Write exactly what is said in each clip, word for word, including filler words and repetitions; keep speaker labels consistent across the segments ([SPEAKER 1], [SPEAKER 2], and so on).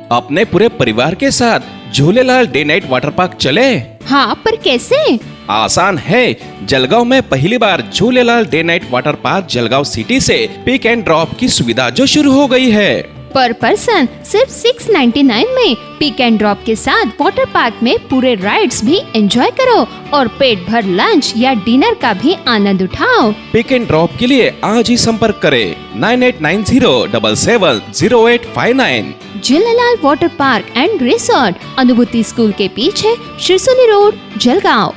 [SPEAKER 1] अपने पूरे परिवार के साथ Jhulelal day night water park चले।
[SPEAKER 2] हाँ, पर कैसे?
[SPEAKER 1] आसान है। जलगांव में पहली बार Jhulelal day night water park Jalgaon city से पिक एंड ड्रॉप की सुविधा जो शुरू हो गई है।
[SPEAKER 2] पर पर्सन सिर्फ छह सौ निन्यानवे में पिक एंड ड्रॉप के साथ वाटर पार्क में पूरे राइड्स भी एंजॉय करो और पेट भर लंच या डिनर का भी आनंद उठाओ।
[SPEAKER 1] पिक एंड ड्रॉप के लिए आज ही संपर्क करें nine eight nine zero seven seven zero eight five nine.
[SPEAKER 2] Jhulelal water park and resort, Anubhuti school के पीछे, शिरसोली रोड, जलगांव।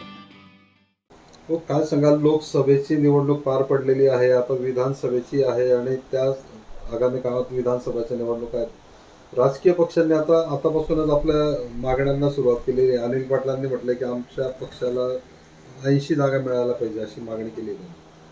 [SPEAKER 3] हो, काय सांगाल? लोकसभेची निवडणूक पार पडलेली आहे, आता विधानसभेची आहे आणि त्या आगामी काळात विधानसभेच्या निवडणूक आहेत। राजकीय पक्षांनी आता आतापासूनच आपल्या मागण्यांना सुरुवात केली आहे। अनिल पाटलांनी म्हटलं की आमच्या पक्षाला ऐंशी जागा मिळायला पाहिजे अशी मागणी केली आहे।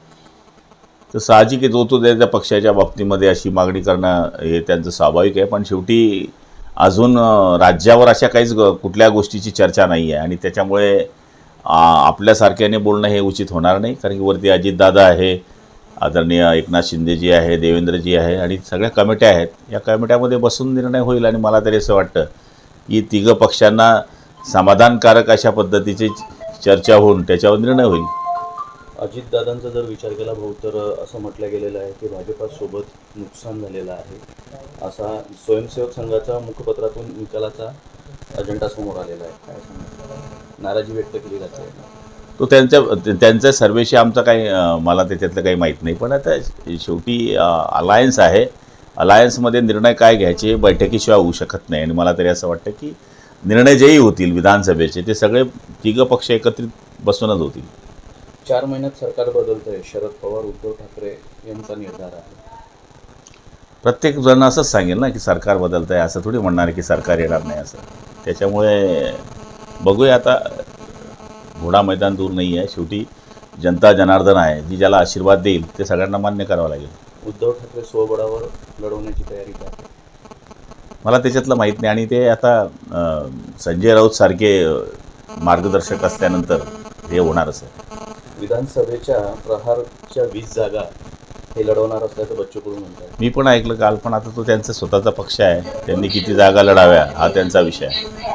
[SPEAKER 4] तर साहजिक आहे, जो तो त्याच्या पक्षाच्या बाबतीमध्ये अशी मागणी करणं हे त्यांचं स्वाभाविक आहे, पण शेवटी अजून राज्यावर अशा काहीच कुठल्या गोष्टीची चर्चा नाही आहे आणि त्याच्यामुळे आपल्यासारख्याने बोलणं हे उचित होणार नाही, कारण की वरती अजितदादा आहे, आदरणीय एकनाथ शिंदेजी आहे, देवेंद्रजी आहे आणि सगळ्या कमिट्या आहेत। या कमिट्यामध्ये बसून निर्णय होईल आणि मला तरी असं वाटतं की तिघं पक्षांना समाधानकारक अशा पद्धतीची चर्चा होऊन त्याच्यावर निर्णय होईल।
[SPEAKER 5] अजितदादांचा जर विचार केला भाऊ तर असं म्हटलं गेलेलं आहे की भाजपासोबत नुकसान झालेलं आहे, असा स्वयंसेवक संघाचा मुखपत्रातून निकालाचा अजेंडा समोर आलेला आहे। काय सांगणार? नाराजी व्यक्त केली जाते।
[SPEAKER 4] तो त्यांच्या त्यांच्या सर्वेशी आमचं काही मला त्याच्यातलं काही माहीत नाही, पण आता शेवटी अलायन्स आहे, अलायन्समध्ये निर्णय काय घ्यायचे बैठकीशिवाय होऊ शकत नाही आणि मला तरी असं वाटतं की निर्णय जेही होतील विधानसभेचे ते सगळे तिघं पक्ष एकत्रित बसूनच होतील।
[SPEAKER 5] चार महिन्यात सरकार बदलतंय, शरद पवार उद्धव ठाकरे यांचा निर्धार आहे।
[SPEAKER 4] प्रत्येक जण असंच सांगेल ना की सरकार बदलतंय, असं थोडी म्हणणार की सरकार येणार नाही असं। त्याच्यामुळे बघूया, आता घोडा मैदान दूर नाही आहे, शेवटी जनता जनार्दन आहे, जी ज्याला आशीर्वाद देईल ते सगळ्यांना मान्य करावं लागेल।
[SPEAKER 5] उद्धव ठाकरे स्वबळावर लढवण्याची तयारी करतात,
[SPEAKER 4] मला त्याच्यातलं माहीत नाही आणि ते आता संजय राऊत सारखे मार्गदर्शक असल्यानंतर हे होणारच आहे।
[SPEAKER 5] विधानसभेच्या प्रहारच्या वीस जागा हे लढवणार असल्याचं बच्चू कडू म्हणतात।
[SPEAKER 4] मी पण ऐकलं काल, पण आता तो त्यांचा स्वतःचा पक्ष आहे, त्यांनी किती जागा लढाव्या हा त्यांचा विषय आहे।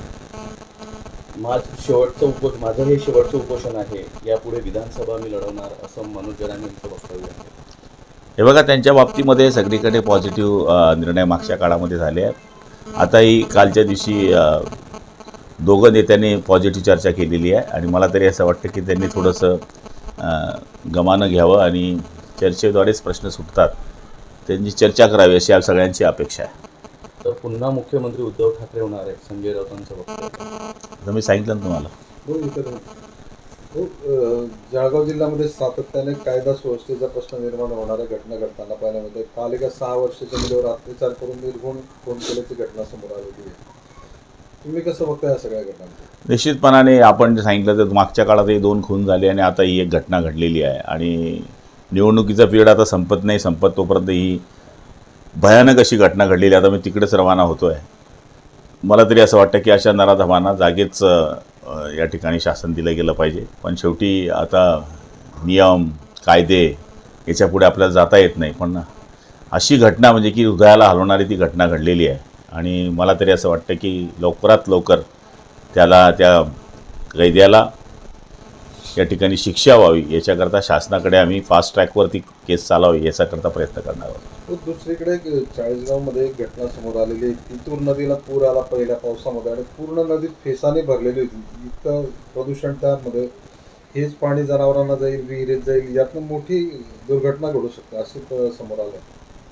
[SPEAKER 5] माझं शेवटचं उपोष माझं हे शेवटचं उपोषण आहे, यापुढे विधानसभा मी लढवणार असं मनोज जरांगे यांचं वक्तव्य आहे।
[SPEAKER 4] हे बघा, त्यांच्या बाबतीमध्ये सगळीकडे पॉझिटिव्ह निर्णय मागच्या काळामध्ये झाले आहेत। आताही कालच्या दिवशी दोघं नेत्यांनी पॉझिटिव्ह चर्चा केलेली आहे आणि मला तरी असं वाटतं की त्यांनी थोडंसं गमानं घ्यावं आणि चर्चेद्वारेच प्रश्न सुटतात, त्यांची चर्चा करावी अशी आप सगळ्यांची अपेक्षा आहे।
[SPEAKER 5] तर पुन्हा मुख्यमंत्री उद्धव ठाकरे होणार आहे, संजय राऊतांचं वक्तव्य।
[SPEAKER 4] आता मी सांगितलं ना तुम्हाला।
[SPEAKER 3] हो, इतर हो, जळगाव जिल्ह्यामध्ये सातत्याने कायदा सुव्यवस्थेचा प्रश्न निर्माण होणाऱ्या घटना घडताना पाहायला मिळते। काल एका सहा वर्षाच्या मुलीवर अत्याचार करून निर्घुण खून केल्याची घटना समोर आलेली आहे। तुम्ही कसं बघताय या सगळ्या घटना?
[SPEAKER 4] निश्चितपणाने आपण जे सांगितलं तर मागच्या काळातही दोन खून झाले आणि आता ही एक घटना घडलेली आहे आणि निवडणुकीचा पिरियड आता संपत नाही, संपत तोपर्यंत ही भयानक अशी घटना घडलेली। आता मी तिकडेच रवाना होतो आहे। मला तरी असं वाटतं की अशा नराधमांना जागेच या ठिकाणी शासन दिलं गेलं पाहिजे, पण शेवटी आता नियम कायदे याच्यापुढे आपल्याला जाता येत नाही, पण अशी घटना म्हणजे की हृदयाला हलवणारी ती घटना घडलेली आहे आणि मला तरी असं वाटतं की लवकरात लवकर त्याला त्या कैद्याला या ठिकाणी शिक्षा व्हावी याच्याकरता शासनाकडे आम्ही फास्ट ट्रॅकवरती केस चालावी याच्याकरता प्रयत्न करणार आहोत।
[SPEAKER 3] दुसरीकडे चाळीसगावमध्ये एक घटना समोर आलेली आहे। तितूर नदीला पूर आला पहिल्या पावसामध्ये आणि पूर्ण नदी फेसाने भरलेली होती, इतकं प्रदूषण त्यामध्ये। हेच पाणी जनावरांना जाईल, विहिरीत जाईल, यातनं मोठी दुर्घटना घडू शकते असं समोर आलं।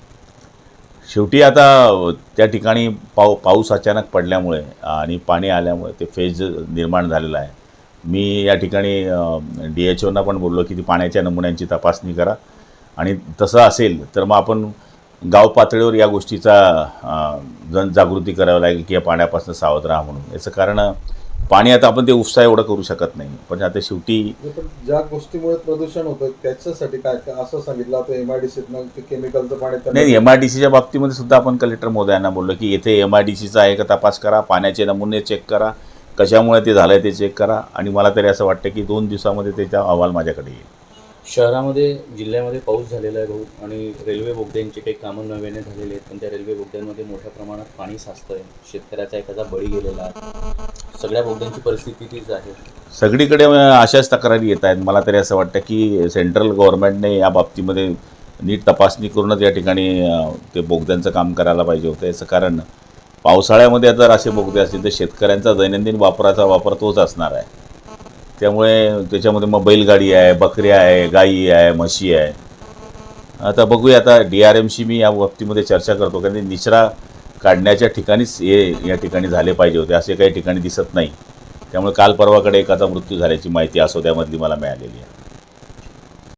[SPEAKER 4] शेवटी आता त्या ठिकाणी पाऊ पाऊस अचानक पडल्यामुळे आणि पाणी आल्यामुळे ते फेज निर्माण झालेलं आहे। मी या ठिकाणी डी एच ओना पण बोललो की ती पाण्याच्या नमुन्यांची तपासणी करा आणि तसं असेल तर मग आपण गाव पातळीवर या गोष्टीचा जनजागृती करावी लागेल की या पाण्यापासून सावध राहा म्हणून। याचं कारण पाणी आता आपण ते उपसा एवढं करू शकत नाही, पण आता शेवटी
[SPEAKER 3] ज्या गोष्टीमुळे प्रदूषण होतं त्याच्यासाठी काय असं सांगितलं आता एम आय डी सीतनं केमिकलचं पाणी
[SPEAKER 4] नाही। एम आय डी सीच्या बाबतीमध्ये सुद्धा आपण कलेक्टर महोदयांना बोललो की येथे एम आय डी सीचा आहे का तपास करा, पाण्याचे नमुने चेक करा, कशामुळे ते झालं आहे ते चेक करा आणि मला तरी असं वाटतं की दोन दिवसामध्ये त्याचा अहवाल माझ्याकडे येईल।
[SPEAKER 5] शहरामध्ये जिल्ह्यामध्ये पाऊस झालेला आहे भाऊ आणि रेल्वे बोगद्यांचे काही कामं नव्याने झालेले आहेत, पण त्या रेल्वे बोगद्यांमध्ये मोठ्या प्रमाणात पाणी साचतं आहे. शेतकऱ्याचा एखादा बळी गेलेला आहे. सगळ्या बोगद्यांची परिस्थिती तीच आहे.
[SPEAKER 4] सगळीकडे अशाच तक्रारी येत आहेत. मला तरी असं वाटतं की सेंट्रल गव्हर्नमेंटने या बाबतीमध्ये नीट तपासणी करूनच या ठिकाणी अ, ते बोगद्यांचं काम करायला पाहिजे होतं. याचं कारण पावसाळ्यामध्ये जर असे बोगदे असतील तर शेतकऱ्यांचा दैनंदिन वापराचा वापर तोच असणार आहे. त्यामुळे त्याच्यामध्ये मग बैलगाडी आहे, बकऱ्या आहे, गाई आहे, म्हशी आहे. आता बघूया, आता डी आर एमशी मी या बाबतीमध्ये चर्चा करतो, कारण निचरा काढण्याच्या ठिकाणीच हे या ठिकाणी झाले पाहिजे होते, असे काही ठिकाणी दिसत नाही. त्यामुळे काल परवाकडे एकाचा मृत्यू झाल्याची माहिती असोद्यामधली मला मिळालेली आहे.